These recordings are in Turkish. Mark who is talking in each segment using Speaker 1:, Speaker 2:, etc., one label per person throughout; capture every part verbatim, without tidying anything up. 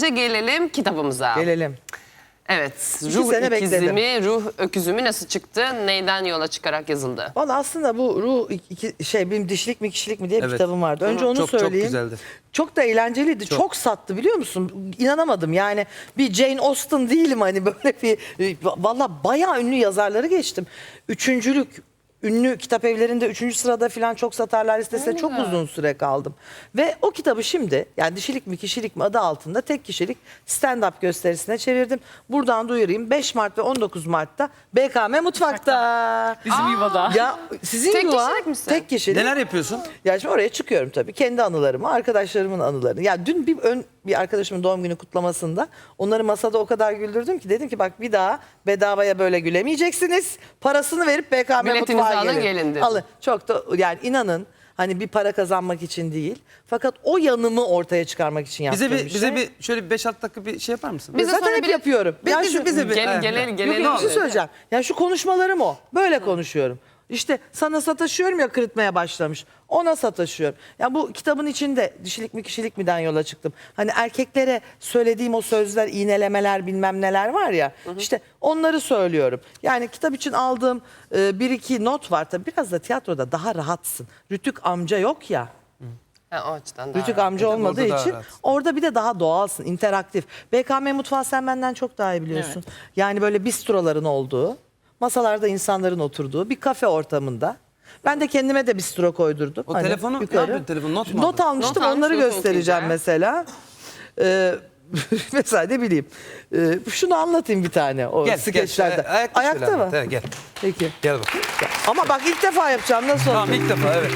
Speaker 1: önce gelelim kitabımıza.
Speaker 2: Gelelim.
Speaker 1: Evet,
Speaker 2: İki
Speaker 1: ruh
Speaker 2: sene
Speaker 1: ikizimi,
Speaker 2: bekledim.
Speaker 1: ruh öküzümü nasıl çıktı? Neyden yola çıkarak yazıldı?
Speaker 2: Valla aslında bu ruh iki, şey benim dişilik mi kişilik mi diye bir
Speaker 3: Evet.
Speaker 2: kitabım vardı. Önce
Speaker 3: Hı.
Speaker 2: onu
Speaker 3: Çok, çok
Speaker 2: söyleyeyim.
Speaker 3: güzeldi.
Speaker 2: Çok da eğlenceliydi. Çok.
Speaker 3: Çok.
Speaker 2: sattı biliyor musun? İnanamadım. Yani bir Jane Austen değilim hani böyle bir valla bayağı ünlü yazarları geçtim. Üçüncülük ünlü kitap evlerinde üçüncü sırada falan çok satarlar listesinde çok uzun süre kaldım. Ve o kitabı şimdi yani dişilik mi kişilik mi adı altında tek kişilik stand-up gösterisine çevirdim. Buradan duyurayım. beş Mart ve on dokuz Mart'ta B K M Mutfak'ta.
Speaker 4: Bizim yuvada.
Speaker 2: Ya sizin
Speaker 1: Tek
Speaker 2: yuva
Speaker 1: kişilik misin?
Speaker 2: tek kişilik.
Speaker 3: Neler yapıyorsun?
Speaker 2: Ya şimdi oraya çıkıyorum tabii. Kendi anılarımı, arkadaşlarımın anılarını. Ya dün bir ön bir arkadaşımın doğum günü kutlamasında onları masada o kadar güldürdüm ki dedim ki bak bir daha bedavaya böyle gülemeyeceksiniz. Parasını verip B K M
Speaker 1: Biletinizi
Speaker 2: Mutfağa
Speaker 1: alın,
Speaker 2: gelin.
Speaker 1: gelin dedim.
Speaker 2: Alın. Çok da yani inanın hani bir para kazanmak için değil. Fakat o yanımı ortaya çıkarmak için yaptığım
Speaker 3: Bize bir,
Speaker 2: bir
Speaker 3: bize
Speaker 2: şey.
Speaker 3: bir şöyle bir beş altı dakika bir şey yapar mısın?
Speaker 1: Bize
Speaker 2: Zaten
Speaker 1: sonra
Speaker 2: hep
Speaker 1: bir-
Speaker 2: yapıyorum.
Speaker 3: Biz-
Speaker 2: Ya
Speaker 3: biz-
Speaker 2: şu-
Speaker 3: bize bir-
Speaker 1: Gel,
Speaker 3: Evet.
Speaker 1: gelelim,
Speaker 2: Yok,
Speaker 1: gelelim.
Speaker 2: yok, bir şey söyleyeceğim. Yani şu konuşmalarım o. Böyle konuşuyorum. İşte sana sataşıyorum ya kırıtmaya başlamış. Ona sataşıyorum. Ya bu kitabın içinde dişilik mi kişilik miden yola çıktım. Hani erkeklere söylediğim o sözler, iğnelemeler bilmem neler var ya. İşte onları söylüyorum. Yani kitap için aldığım e, bir iki not var. Tabii biraz da tiyatroda daha rahatsın. Rütük amca yok ya.
Speaker 1: Ha, o açıdan daha
Speaker 2: Rütük
Speaker 1: rahat.
Speaker 2: amca
Speaker 3: Orada
Speaker 2: olmadığı
Speaker 3: daha
Speaker 2: için
Speaker 3: rahat.
Speaker 2: orada bir de daha doğalsın, interaktif. B K M Mutfağı sen benden çok daha iyi biliyorsun. Yani böyle bistroların olduğu, masalarda insanların oturduğu bir kafe ortamında. Ben de kendime de bistro koydurdum.
Speaker 3: O telefonu- ne yapıyorsun telefonu? Not mu
Speaker 2: Not
Speaker 3: aldın?
Speaker 2: almıştım,
Speaker 1: Not
Speaker 2: onları
Speaker 1: almış, not
Speaker 2: göstereceğim
Speaker 1: okuyacağım.
Speaker 2: mesela. Ee, mesela ne bileyim. Ee, şunu anlatayım bir tane o
Speaker 3: Gel,
Speaker 2: skeçlerde.
Speaker 3: gel. Ayakta,
Speaker 2: Ayakta
Speaker 3: şöyle
Speaker 2: mı?
Speaker 3: anlat. Evet, gel.
Speaker 2: Peki.
Speaker 3: Gel bakayım.
Speaker 2: Ama bak ilk defa yapacağım, nasıl
Speaker 3: Tamam
Speaker 2: olacak?
Speaker 3: ilk defa evet.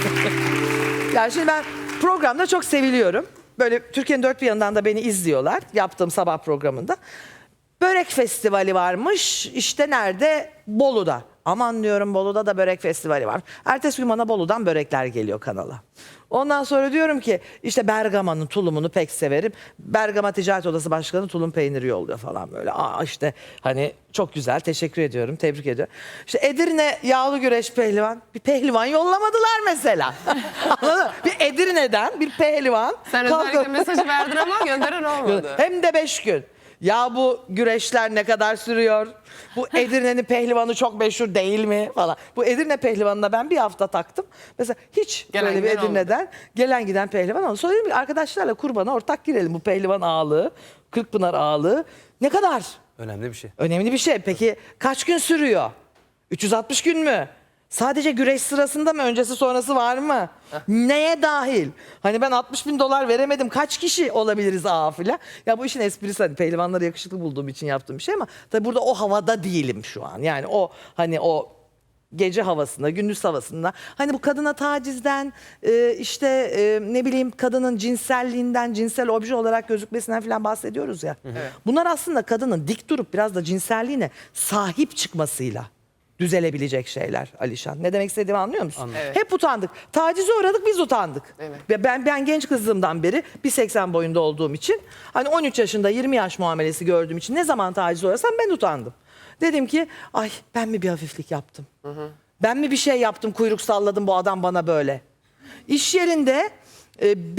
Speaker 2: Yani şimdi ben programda çok seviliyorum. Böyle Türkiye'nin dört bir yanından da beni izliyorlar. Yaptığım sabah programında. Börek festivali varmış. İşte nerede? Bolu'da. Aman diyorum Bolu'da da börek festivali var. Ertesi gün bana Bolu'dan börekler geliyor kanala. Ondan sonra diyorum ki işte Bergama'nın tulumunu pek severim. Bergama Ticaret Odası Başkanı tulum peyniri yolluyor falan böyle. Aa işte hani çok güzel, teşekkür ediyorum, tebrik ediyorum. İşte Edirne yağlı güreş pehlivan. Bir pehlivan yollamadılar mesela. Anladın mı? Bir Edirne'den bir pehlivan.
Speaker 1: Sen
Speaker 2: kalkıp-
Speaker 1: özellikle mesajı verdin ama gönderen olmadı.
Speaker 2: Hem de beş gün. Ya bu güreşler ne kadar sürüyor? Bu Edirne'nin pehlivanı çok meşhur değil mi falan. Bu Edirne pehlivanına ben bir hafta taktım. Mesela hiç
Speaker 1: Gelen
Speaker 2: böyle bir
Speaker 1: giden
Speaker 2: Edirne'den gelen giden pehlivan oldu. Sonra dedim ki arkadaşlarla kurbana ortak girelim bu pehlivan ağalığı, Kırkpınar ağalığı. Ne kadar?
Speaker 3: Önemli bir şey.
Speaker 2: Önemli bir şey. Peki kaç gün sürüyor? üç yüz altmış gün mü? Sadece güreş sırasında mı? Öncesi sonrası var mı? Neye dahil? Hani ben altmış bin dolar veremedim. Kaç kişi olabiliriz ağa filan? Ya bu işin esprisi hani pehlivanları yakışıklı bulduğum için yaptığım bir şey ama tabii burada o havada değilim şu an. Yani o hani o gece havasında, gündüz havasında. Hani bu kadına tacizden, e, işte e, ne bileyim kadının cinselliğinden, cinsel obje olarak gözükmesinden falan bahsediyoruz ya. Bunlar aslında kadının dik durup biraz da cinselliğine sahip çıkmasıyla düzelebilecek şeyler Alişan. Ne demek istediğimi anlıyor musun?
Speaker 3: Anladım.
Speaker 1: Evet.
Speaker 2: Hep utandık. Tacize uğradık, biz utandık.
Speaker 1: Evet.
Speaker 2: Ve ben ben genç kızlığımdan beri bir seksen boyunda olduğum için hani on üç yaşında yirmi yaş muamelesi gördüğüm için ne zaman tacize uğrasam ben utandım. Dedim ki ay ben mi bir hafiflik yaptım? Ben mi bir şey yaptım, kuyruk salladım, bu adam bana böyle. İş yerinde e,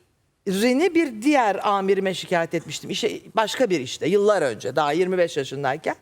Speaker 2: birini bir diğer amirime şikayet etmiştim. İşe, başka bir işte yıllar önce daha yirmi beş yaşındayken.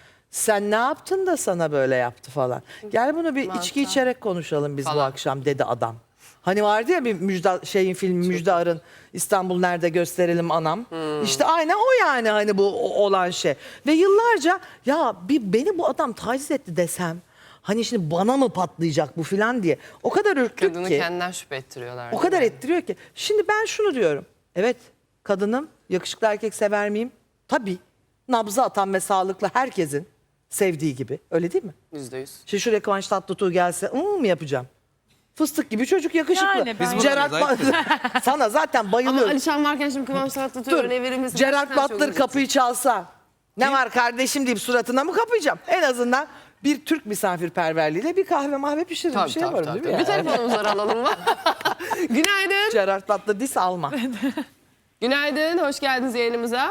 Speaker 2: Sen ne yaptın da sana böyle yaptı falan. Gel bunu bir içki içerek konuşalım biz bu
Speaker 1: Falan.
Speaker 2: akşam dedi adam. Hani vardı ya bir Müjda, şeyin filmi Müjde Arın İstanbul Nerede Gösterelim Anam. İşte aynen o yani hani bu o- olan şey. Ve yıllarca ya bir beni bu adam taciz etti desem hani şimdi bana mı patlayacak bu filan diye. O kadar ürktük
Speaker 1: Kadını
Speaker 2: ki.
Speaker 1: kendinden şüphe ettiriyorlar.
Speaker 2: O kadar
Speaker 1: değil mi?
Speaker 2: ettiriyor ki. Şimdi ben şunu diyorum. Evet kadınım, yakışıklı erkek sever miyim? Tabii. Nabzı atan ve sağlıklı herkesin sevdiği gibi. Öyle değil mi?
Speaker 1: Yüzde yüz.
Speaker 2: Şimdi şuraya Kıvanç Tatlıtuğ gelse ıı mı yapacağım? Fıstık gibi çocuk yakışıklı.
Speaker 4: Yani ben- Biz
Speaker 2: Gerard
Speaker 3: buradayız,
Speaker 2: Ba- sana zaten
Speaker 1: Ama
Speaker 2: bayılıyorum.
Speaker 1: Alişan varken şimdi Kıvanç Tatlıtuğ
Speaker 2: Dur.
Speaker 1: örneği verir misin?
Speaker 2: Gerard
Speaker 1: Gerçekten çok
Speaker 2: Butler
Speaker 1: üzücü.
Speaker 2: kapıyı çalsa ne var kardeşim deyip suratına mı kapayacağım? En azından bir Türk misafirperverliğiyle bir kahve mahve pişiririm.
Speaker 1: Tabii,
Speaker 2: bir şey
Speaker 1: tabii,
Speaker 2: yaparım
Speaker 1: tabii.
Speaker 2: değil mi?
Speaker 1: Bir
Speaker 2: yani?
Speaker 1: telefonumuz var, alalım mı? Günaydın.
Speaker 2: Gerard Butler dis alma.
Speaker 1: Günaydın, hoş geldiniz yayınımıza.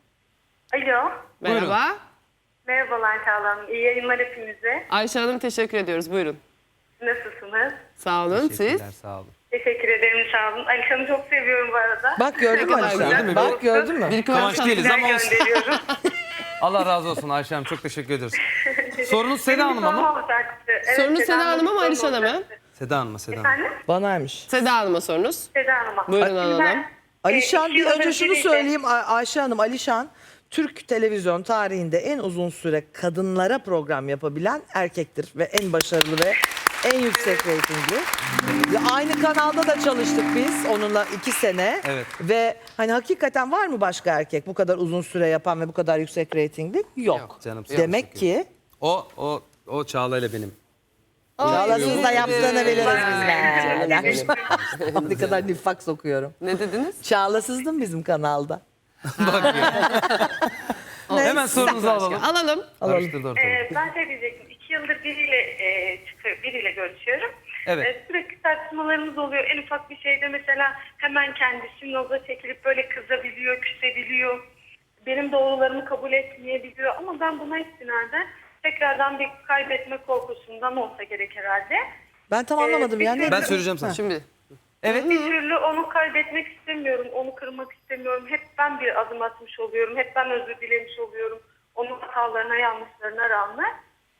Speaker 5: Alo.
Speaker 1: Merhaba.
Speaker 5: Merhabalar Çağla Hanım. İyi yayınlar hepinize.
Speaker 1: Ayşe Hanım teşekkür ediyoruz, buyurun.
Speaker 5: Nasılsınız?
Speaker 1: Sağ olun, siz?
Speaker 3: Teşekkürler, sağ olun.
Speaker 5: Teşekkür ederim, sağ olun. Alişan'ı çok seviyorum bu arada.
Speaker 2: Bak gördün mü
Speaker 1: kadar
Speaker 2: Alişan?
Speaker 1: güzel.
Speaker 3: Gördün mü?
Speaker 2: Bak gördün mü?
Speaker 1: Bir
Speaker 3: Kıvanç
Speaker 1: kıvanç
Speaker 3: değiliz
Speaker 5: Ben
Speaker 3: ama olsun.
Speaker 5: gönderiyorum.
Speaker 3: Allah razı olsun Ayşe Hanım. Çok teşekkür ediyoruz. Sorunuz Seda
Speaker 5: Benim bir
Speaker 3: Hanım'a
Speaker 5: sorum
Speaker 3: mı?
Speaker 5: olacaktı. Evet,
Speaker 1: Sorunuz Seda
Speaker 5: Hanım'a
Speaker 1: Hanım'a mı
Speaker 5: bir
Speaker 1: Alişan'a
Speaker 5: sorum
Speaker 1: mı?
Speaker 5: olacaktı.
Speaker 3: Seda Hanım'a, Seda Hanım'a.
Speaker 5: Efendim?
Speaker 2: Banaymış.
Speaker 1: Seda Hanım'a sorunuz.
Speaker 5: Seda Hanım'a.
Speaker 1: Buyurun
Speaker 5: Şimdi
Speaker 1: alalım.
Speaker 5: ben,
Speaker 2: Alişan
Speaker 5: e,
Speaker 2: bir
Speaker 5: iki
Speaker 2: önce
Speaker 5: yıldır
Speaker 2: şunu
Speaker 5: biriyle-
Speaker 2: söyleyeyim Ay- Ayşe Hanım. Alişan Türk televizyon tarihinde en uzun süre kadınlara program yapabilen erkektir ve en başarılı ve en yüksek reytingli. Ve aynı kanalda da çalıştık biz onunla iki sene.
Speaker 3: Evet.
Speaker 2: Ve hani hakikaten var mı başka erkek bu kadar uzun süre yapan ve bu kadar yüksek reytingli? Yok.
Speaker 1: Yok
Speaker 3: canım,
Speaker 2: Demek
Speaker 3: yok.
Speaker 2: ki
Speaker 3: O, o, o Çağla ile benim.
Speaker 2: Çağlasız da yaptığını biliriz
Speaker 5: Bayağı
Speaker 2: biz. Ne kadar nifak sokuyorum.
Speaker 1: Ne dediniz?
Speaker 2: Çağlasızdım bizim kanalda.
Speaker 3: Bak ya. Hemen sorunuzu alalım.
Speaker 1: Alalım.
Speaker 3: Karıştırdı ortalığı.
Speaker 5: Ee, ben şey diyecektim. İki yıldır biriyle e, çıkıyor, biriyle görüşüyorum.
Speaker 3: Evet.
Speaker 5: Ee, sürekli tartışmalarımız oluyor. En ufak bir şeyde mesela hemen kendisi noza çekilip böyle kızabiliyor, küsebiliyor. Benim doğrularımı kabul etmeyebiliyor. Ama ben buna istinaden tekrardan bir kaybetme korkusundan olsa gerek herhalde.
Speaker 2: Ben tam anlamadım
Speaker 5: Ee,
Speaker 2: yani.
Speaker 5: bir-
Speaker 3: Ben söyleyeceğim sana.
Speaker 1: Şimdi
Speaker 3: Evet.
Speaker 5: Bir türlü onu kaybetmek istemiyorum, onu kırmak istemiyorum. Hep ben bir adım atmış oluyorum, hep ben özür dilemiş oluyorum. Onun hatalarına, yanlışlarına rağmen.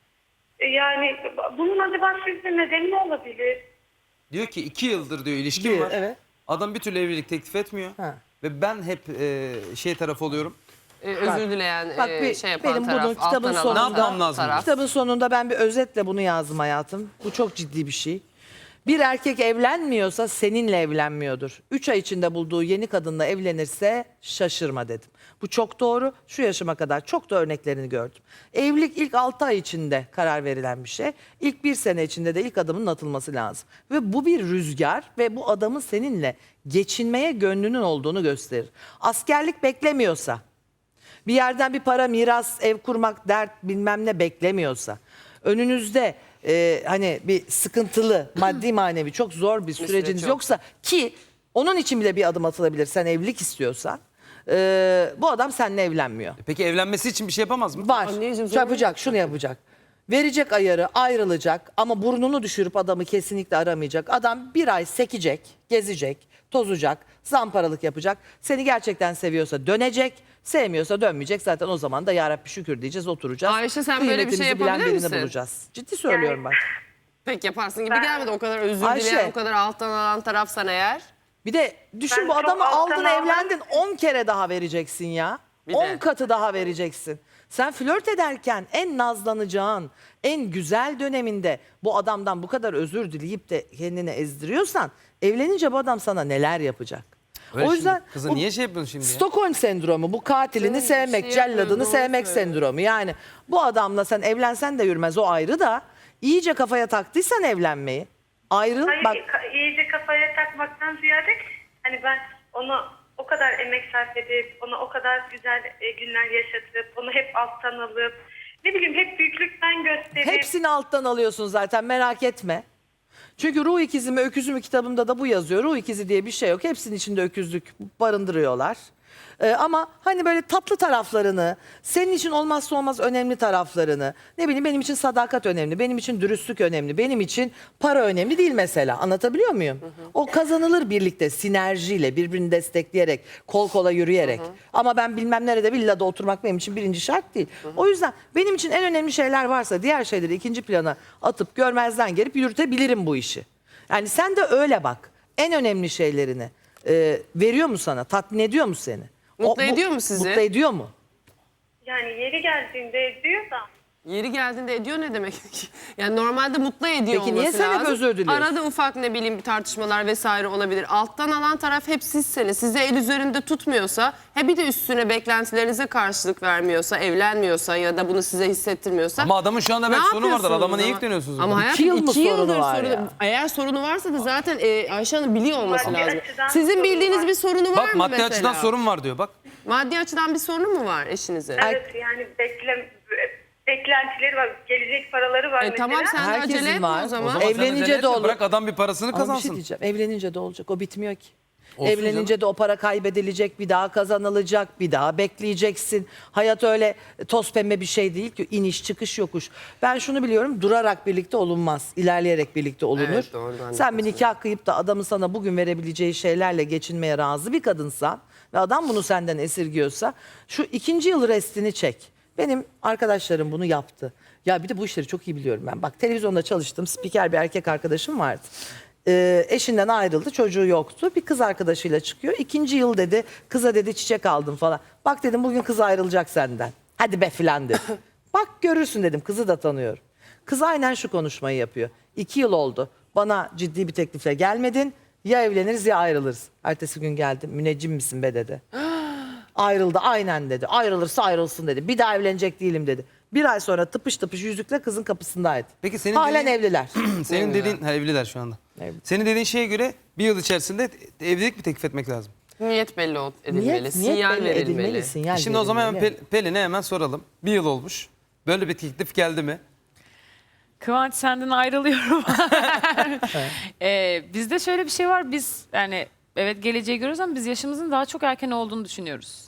Speaker 5: E, Yani bunun acaba sizce nedeni ne olabilir?
Speaker 3: Diyor ki iki yıldır diyor ilişkim
Speaker 2: Bir,
Speaker 3: var.
Speaker 2: evet.
Speaker 3: Adam bir türlü evlilik teklif etmiyor.
Speaker 2: Ha.
Speaker 3: Ve ben hep e, şey tarafı oluyorum.
Speaker 1: e, özür dileyen,
Speaker 2: Bak
Speaker 1: e,
Speaker 2: bir-
Speaker 1: şey yapan
Speaker 2: benim
Speaker 1: taraf,
Speaker 2: bunun kitabın
Speaker 1: alttan
Speaker 2: sonunda-
Speaker 1: alan
Speaker 3: Ne yapmam lazım?
Speaker 1: taraf.
Speaker 2: Kitabın sonunda ben bir özetle bunu yazdım hayatım. Bu çok ciddi bir şey. Bir erkek evlenmiyorsa seninle evlenmiyordur. Üç ay içinde bulduğu yeni kadınla evlenirse şaşırma dedim. Bu çok doğru. Şu yaşıma kadar çok da örneklerini gördüm. Evlilik ilk altı ay içinde karar verilen bir şey. İlk bir sene içinde de ilk adımın atılması lazım. Ve bu bir rüzgar ve bu adamın seninle geçinmeye gönlünün olduğunu gösterir. Askerlik beklemiyorsa, bir yerden bir para, miras, ev kurmak, dert bilmem ne beklemiyorsa, önünüzde e, hani bir sıkıntılı, maddi manevi çok zor bir süreciniz
Speaker 1: süreç yok.
Speaker 2: yoksa ki onun için bile bir adım atılabilir sen evlilik istiyorsan, e, bu adam seninle evlenmiyor.
Speaker 3: Peki evlenmesi için bir şey yapamaz mı?
Speaker 2: Var.
Speaker 1: Anneciğim, zor
Speaker 2: Yapacak, şunu yapacak. Verecek ayarı, ayrılacak ama burnunu düşürüp adamı kesinlikle aramayacak. Adam bir ay sekecek, gezecek, tozacak, zamparalık yapacak. Seni gerçekten seviyorsa dönecek, sevmiyorsa dönmeyecek. Zaten o zaman da yarabbi şükür diyeceğiz, oturacağız.
Speaker 1: Ayşe, sen böyle bir şey
Speaker 2: Kıymetimizi bilen
Speaker 1: yapabilir
Speaker 2: birini
Speaker 1: misin?
Speaker 2: bulacağız. Ciddi söylüyorum bak.
Speaker 1: Pek yaparsın gibi
Speaker 5: Ben-
Speaker 1: gelmedi. O kadar özür
Speaker 2: Ayşe.
Speaker 1: dileyen, o kadar alttan alan tarafsan eğer.
Speaker 2: Bir de düşün
Speaker 5: Ben
Speaker 2: bu
Speaker 5: çok
Speaker 2: adamı
Speaker 5: alttan
Speaker 2: aldın
Speaker 5: almam.
Speaker 2: evlendin on kere daha vereceksin ya.
Speaker 1: Bir
Speaker 2: on
Speaker 1: de.
Speaker 2: katı daha vereceksin. Sen flört ederken en nazlanacağın, en güzel döneminde bu adamdan bu kadar özür dileyip de kendini ezdiriyorsan evlenince bu adam sana neler yapacak?
Speaker 3: Öyle
Speaker 2: o
Speaker 3: şimdi,
Speaker 2: yüzden
Speaker 3: kızım
Speaker 2: bu
Speaker 3: niye şey yapıyorsun şimdi ya?
Speaker 2: Stockholm sendromu, bu katilini
Speaker 1: Canım, bir
Speaker 2: sevmek,
Speaker 1: şey
Speaker 2: celladını
Speaker 1: yapmıyor, doğru
Speaker 2: sevmek
Speaker 1: söylüyor.
Speaker 2: sendromu. Yani bu adamla sen evlensen de yürümez, o ayrı da iyice kafaya taktıysan evlenmeyi ayrıl
Speaker 5: Hayır,
Speaker 2: bak.
Speaker 5: ka- iyice kafaya takmaktan ziyade hani ben onu o kadar emek sarf edip, ona o kadar güzel e, günler yaşatıp, onu hep alttan alıp, ne bileyim hep büyüklükten gösterip.
Speaker 2: Hepsini alttan alıyorsun zaten, merak etme. Çünkü Ruh İkizi mi Öküzü mü kitabımda da bu yazıyor. Ruh ikizi diye bir şey yok. Hepsinin içinde öküzlük barındırıyorlar. Ee, ama hani böyle tatlı taraflarını, senin için olmazsa olmaz önemli taraflarını, ne bileyim benim için sadakat önemli, benim için dürüstlük önemli, benim için para önemli değil mesela. Anlatabiliyor muyum? O kazanılır birlikte, sinerjiyle, birbirini destekleyerek, kol kola yürüyerek. Ama ben bilmem nerede villada oturmak benim için birinci şart değil. O yüzden benim için en önemli şeyler varsa diğer şeyleri ikinci plana atıp görmezden gelip yürütebilirim bu işi. Yani sen de öyle bak. En önemli şeylerini e, veriyor mu sana? Tatmin ediyor mu seni?
Speaker 1: Mutlu
Speaker 2: bu-
Speaker 1: ediyor mu sizi?
Speaker 2: Mutlu ediyor mu?
Speaker 5: Yani yeri geldiğinde ediyor da.
Speaker 1: Yeri geldiğinde ediyor ne demek? Yani normalde mutlu ediyor
Speaker 2: Peki niye
Speaker 1: olması
Speaker 2: sen hep
Speaker 1: lazım.
Speaker 2: özür diliyorsun?
Speaker 1: Arada ufak ne bileyim bir tartışmalar vesaire olabilir. Alttan alan taraf hep sizseniz. Size el üzerinde tutmuyorsa, he bir de üstüne beklentilerinize karşılık vermiyorsa, evlenmiyorsa ya da bunu size hissettirmiyorsa.
Speaker 3: Ama adamın şu anda
Speaker 1: ne
Speaker 3: belki sorunu vardır.
Speaker 1: yapıyorsunuz
Speaker 3: Adama niye
Speaker 1: ama?
Speaker 3: yükleniyorsunuz?
Speaker 1: Ama
Speaker 3: buna?
Speaker 1: hayatım
Speaker 2: İki yıl mı
Speaker 1: iki yıldır
Speaker 2: sorunu var
Speaker 1: sorunu-
Speaker 2: ya?
Speaker 1: Eğer sorunu varsa da zaten e, Ayşe Hanım biliyor olması
Speaker 5: Maddi
Speaker 1: lazım.
Speaker 5: açıdan
Speaker 1: Sizin
Speaker 5: sorunu
Speaker 1: bildiğiniz
Speaker 5: var.
Speaker 1: bir sorunu var
Speaker 3: Bak
Speaker 1: mı
Speaker 3: maddi
Speaker 1: mesela?
Speaker 3: açıdan sorun var diyor bak.
Speaker 1: Maddi açıdan bir sorunu mu var eşinize?
Speaker 5: Evet, yani bekle, beklentileri var, gelecek paraları var
Speaker 1: E,
Speaker 5: mesela.
Speaker 1: tamam sen de
Speaker 2: Herkesin
Speaker 1: acele etme
Speaker 2: var.
Speaker 1: o
Speaker 2: o
Speaker 1: zaman.
Speaker 3: O zaman sen
Speaker 2: Evlenince
Speaker 3: acele
Speaker 2: de
Speaker 3: etme,
Speaker 2: olur.
Speaker 3: Bırak adam bir parasını
Speaker 2: Ama bir şey
Speaker 3: kazansın.
Speaker 2: diyeceğim. Evlenince de olacak. O bitmiyor ki.
Speaker 3: Olsun
Speaker 2: Evlenince de o para kaybedilecek, bir daha kazanılacak, bir daha bekleyeceksin. Hayat öyle toz pembe bir şey değil ki, iniş çıkış yokuş. Ben şunu biliyorum, durarak birlikte olunmaz, ilerleyerek birlikte olunur.
Speaker 1: Evet, doğru, ben de
Speaker 2: Sen bir nikah kıyıp da adamın sana bugün verebileceği şeylerle geçinmeye razı bir kadınsan ve adam bunu senden esirgiyorsa şu ikinci yıl restini çek. Benim arkadaşlarım bunu yaptı. Ya bir de bu işleri çok iyi biliyorum ben. Bak televizyonda çalıştım, spiker bir erkek arkadaşım vardı. Ee, eşinden ayrıldı, çocuğu yoktu. Bir kız arkadaşıyla çıkıyor. İkinci yıl dedi, kıza dedi çiçek aldım falan. Bak dedim bugün kız ayrılacak senden. Hadi be filan dedi. Bak görürsün dedim, kızı da tanıyorum. Kız aynen şu konuşmayı yapıyor. İki yıl oldu. Bana ciddi bir teklifle gelmedin. Ya evleniriz ya ayrılırız. Ertesi gün geldim. Müneccim misin be dedi. Ayrıldı aynen dedi. Ayrılırsa ayrılsın dedi. Bir daha evlenecek değilim dedi. Bir ay sonra tıpış tıpış yüzükle kızın kapısındaydı.
Speaker 3: Peki senin
Speaker 2: Halen
Speaker 3: dediğin-
Speaker 2: evliler.
Speaker 3: Senin dediğin, ha, evliler şu anda.
Speaker 2: Evli.
Speaker 3: Senin dediğin şeye göre bir yıl içerisinde evlilik mi teklif etmek lazım?
Speaker 1: Niyet belli ol- edilmeli,
Speaker 2: Niyet, niyet
Speaker 1: sinyal
Speaker 2: belli
Speaker 1: verilmeli.
Speaker 2: edilmeli, sinyal
Speaker 3: Şimdi o zaman hemen
Speaker 2: verilmeli.
Speaker 3: Pel- Pelin'e hemen soralım. Bir yıl olmuş. Böyle bir teklif geldi mi?
Speaker 4: Kıvanç senden ayrılıyorum. ee, bizde şöyle bir şey var. Biz yani evet geleceği görüyoruz ama biz yaşımızın daha çok erken olduğunu düşünüyoruz.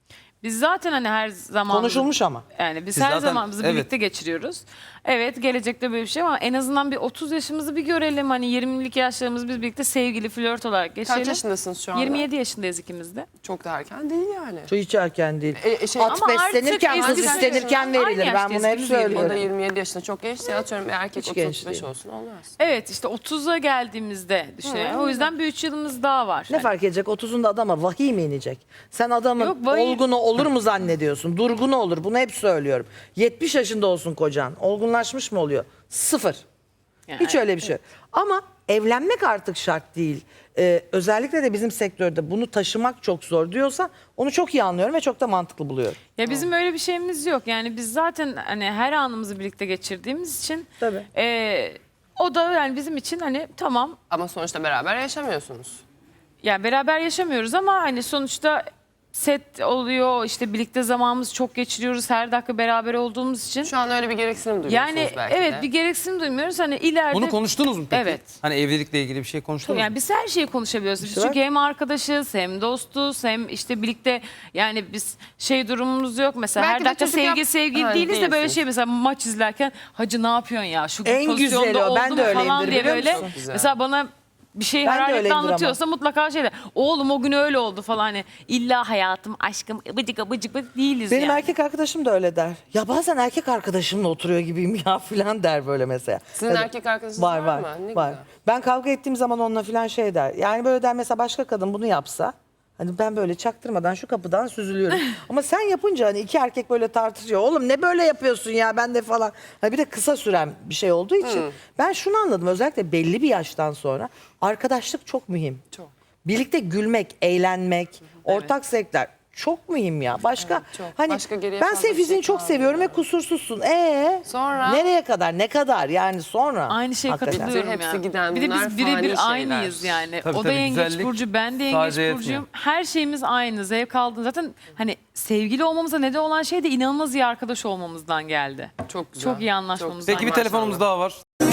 Speaker 4: Biz zaten hani her zaman
Speaker 2: Konuşulmuş ama.
Speaker 4: yani biz
Speaker 3: Siz
Speaker 4: her
Speaker 3: zaten-
Speaker 4: zamanımızı
Speaker 3: evet.
Speaker 4: birlikte geçiriyoruz. Evet gelecekte böyle bir şey ama en azından bir otuz yaşımızı bir görelim. Hani yirmilik yaşlarımızı biz birlikte sevgili flört olarak geçirelim.
Speaker 1: Kaç yaşındasınız şu anda?
Speaker 4: yirmi yedi yaşındayız ikimiz de.
Speaker 1: Çok da erken değil yani.
Speaker 2: Çok hiç erken değil.
Speaker 1: E, e, şey-
Speaker 2: At
Speaker 4: Ama artık
Speaker 2: beslenirken, kız
Speaker 4: eskisi-
Speaker 2: istenirken
Speaker 4: Aynı
Speaker 2: verilir. Ben
Speaker 4: yaştayız,
Speaker 2: bunu hep
Speaker 4: biz de yirmi.
Speaker 1: O da
Speaker 2: söylüyorum.
Speaker 1: yirmi yedi yaşında çok gençse atıyorum bir erkek
Speaker 2: Hiç genç
Speaker 1: otuz beş
Speaker 2: değil.
Speaker 1: olsun olmaz.
Speaker 4: Evet işte otuza geldiğimizde düşünüyorum. O yüzden bir üç yılımız daha var.
Speaker 2: Ne fark edecek? otuzunda adama vahiy mi inecek? Sen adamın
Speaker 4: Yok, vahiy-
Speaker 2: olgunu olur mu zannediyorsun? Durgunu olur. Bunu hep söylüyorum. yetmiş yaşında olsun kocan. Olgunlaşmış mı oluyor? Sıfır.
Speaker 4: Yani
Speaker 2: Hiç öyle bir şey. Ama evlenmek artık şart değil. Ee, özellikle de bizim sektörde bunu taşımak çok zor diyorsa onu çok iyi anlıyorum ve çok da mantıklı buluyorum.
Speaker 4: Ya bizim öyle bir şeyimiz yok. Yani biz zaten hani her anımızı birlikte geçirdiğimiz için
Speaker 2: Tabii.
Speaker 4: e, o da yani bizim için hani tamam
Speaker 1: Ama sonuçta beraber yaşamıyorsunuz.
Speaker 4: yani beraber yaşamıyoruz ama hani sonuçta set oluyor işte birlikte zamanımızı çok geçiriyoruz her dakika beraber olduğumuz için.
Speaker 1: Şu an öyle bir gereksinim duyuyorsunuz
Speaker 4: Yani
Speaker 1: belki
Speaker 4: evet
Speaker 1: de.
Speaker 4: bir gereksinim duymuyoruz hani ileride.
Speaker 3: Bunu konuştunuz mu peki?
Speaker 4: Evet.
Speaker 3: Hani evlilikle ilgili bir şey konuştunuz mu?
Speaker 4: Yani biz her şeyi konuşabiliyoruz. Biz
Speaker 2: İşte
Speaker 4: çünkü
Speaker 2: bak.
Speaker 4: hem arkadaşız hem dostuz hem işte birlikte yani biz şey durumumuz yok. Mesela
Speaker 1: Belki
Speaker 4: her
Speaker 1: de
Speaker 4: dakika
Speaker 1: çocuk
Speaker 4: sevgi
Speaker 1: yap-
Speaker 4: sevgi
Speaker 1: Ha,
Speaker 4: değiliz de böyle
Speaker 1: değilsiniz.
Speaker 4: şey mesela maç izlerken hacı ne yapıyorsun ya şu
Speaker 2: En
Speaker 4: pozisyonda
Speaker 2: güzeli o.
Speaker 4: oldu
Speaker 2: Ben
Speaker 4: mu
Speaker 2: de
Speaker 4: falan
Speaker 2: öyleyimdir,
Speaker 4: diye
Speaker 2: biliyor
Speaker 4: böyle.
Speaker 2: musun?
Speaker 1: Çok güzel.
Speaker 4: Mesela bana bir şey
Speaker 2: Ben de
Speaker 4: hararetle
Speaker 2: öyleyimdir ama.
Speaker 4: anlatıyorsa mutlaka şey de oğlum o gün öyle oldu falan hani illa hayatım aşkım bıcık bıcık bıcık değiliz
Speaker 2: Benim
Speaker 4: yani.
Speaker 2: erkek arkadaşım da öyle der. Ya bazen erkek arkadaşımla oturuyor gibiyim ya filan der böyle mesela.
Speaker 1: Sizin
Speaker 2: Ya da-
Speaker 1: erkek arkadaşınız
Speaker 2: var,
Speaker 1: var
Speaker 2: var,
Speaker 1: mı? Ne
Speaker 2: var.
Speaker 1: güzel.
Speaker 2: Ben kavga ettiğim zaman onunla filan şey der. Yani böyle der mesela başka kadın bunu yapsa. Hani ben böyle çaktırmadan şu kapıdan süzülüyorum. Ama sen yapınca hani iki erkek böyle tartışıyor. Oğlum ne böyle yapıyorsun ya ben de falan. Hani bir de kısa süren bir şey olduğu için. Ben şunu anladım özellikle belli bir yaştan sonra. Arkadaşlık çok mühim.
Speaker 1: Çok.
Speaker 2: Birlikte gülmek, eğlenmek, ortak zevkler çok mühim ya. Başka
Speaker 1: Evet, çok.
Speaker 2: hani
Speaker 1: Başka geriye
Speaker 2: ben
Speaker 1: fazla
Speaker 2: senin
Speaker 1: bir şey
Speaker 2: fiziğini çok
Speaker 1: kalmıyor.
Speaker 2: seviyorum ve kusursuzsun. Ee
Speaker 1: Sonra?
Speaker 2: nereye kadar? Ne kadar? Yani sonra.
Speaker 4: Aynı şeye
Speaker 2: Hakikaten.
Speaker 4: katılıyorum
Speaker 1: Hepsi
Speaker 4: ya.
Speaker 1: giden
Speaker 4: bir de
Speaker 1: bunlar
Speaker 4: biz birebir
Speaker 1: fani
Speaker 4: aynıyız
Speaker 1: şeyler.
Speaker 4: yani.
Speaker 3: Tabii,
Speaker 4: o da
Speaker 3: tabii,
Speaker 4: yengeç
Speaker 3: güzellik
Speaker 4: burcu, ben de yengeç
Speaker 3: sadece yetmiyor.
Speaker 4: burcuyum. Her şeyimiz aynı. Zevk aldığın zaten hani sevgili olmamıza neden olan şey de inanılmaz iyi arkadaş olmamızdan geldi.
Speaker 1: Çok güzel.
Speaker 4: Çok iyi anlaşmamızdan.
Speaker 3: Peki bir
Speaker 1: Maşallah.
Speaker 3: telefonumuz daha var.